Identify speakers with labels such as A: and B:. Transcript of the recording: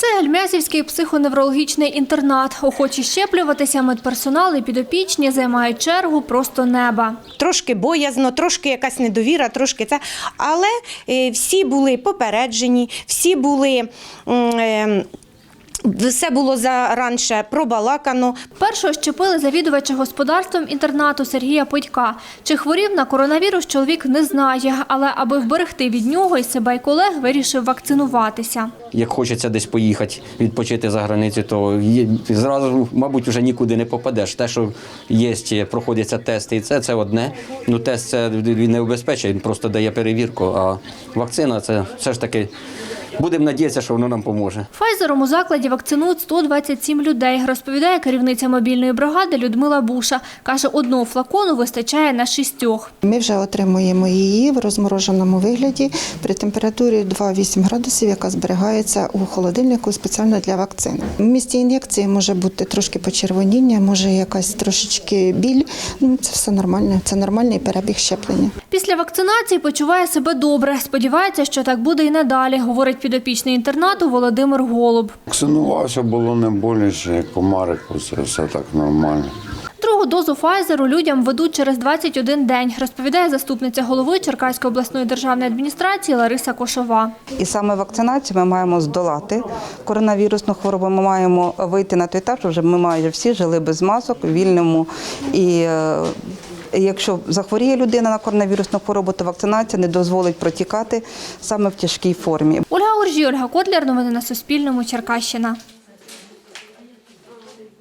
A: Це Гельмязівський психоневрологічний інтернат. Охочі щеплюватися медперсонал і підопічні займають чергу просто неба.
B: Трошки боязно, трошки якась недовіра, трошки це. Але всі були попереджені, всі були... Все було заранше пробалакано.
A: Першого щепили завідувача господарством інтернату Сергія Подька. Чи хворів на коронавірус, чоловік не знає, але аби вберегти від нього і себе, і колег, вирішив вакцинуватися.
C: Як хочеться десь поїхати, відпочити за границю, то зразу, мабуть, вже нікуди не попадеш. Те, що є, проходяться тести, і це одне. Ну, тест це він не обезпечує, він просто дає перевірку, а вакцина – це все ж таки, будемо надіятися, що воно нам поможе.
A: Файзером у закладі вакцинують 127 людей, розповідає керівниця мобільної бригади Людмила Буша. Каже, одного флакону вистачає на 6.
D: Ми вже отримуємо її в розмороженому вигляді при температурі 2,8 градусів, яка зберігається у холодильнику спеціально для вакцини. В місці ін'єкції може бути трошки почервоніння, може якась трошечки біль. Це все нормально, це нормальний перебіг щеплення.
A: Після вакцинації почуває себе добре. Сподівається, що так буде і надалі, говорить підопічний інтернату Володимир Голуб.
E: Вакцинувався, було не боляче, як комарику, це все так нормально.
A: Другу дозу Файзеру людям ведуть через 21 день, розповідає заступниця голови Черкаської обласної державної адміністрації Лариса Кошова.
F: І саме вакцинацією ми маємо здолати коронавірусну хворобу, ми маємо вийти на той етап, що вже ми майже всі жили без масок, у вільному. І якщо захворіє людина на коронавірусну хворобу, то вакцинація не дозволить протікати саме в тяжкій формі.
A: Ольга Оржій, Ольга Котляр. Новини на Суспільному. Черкащина.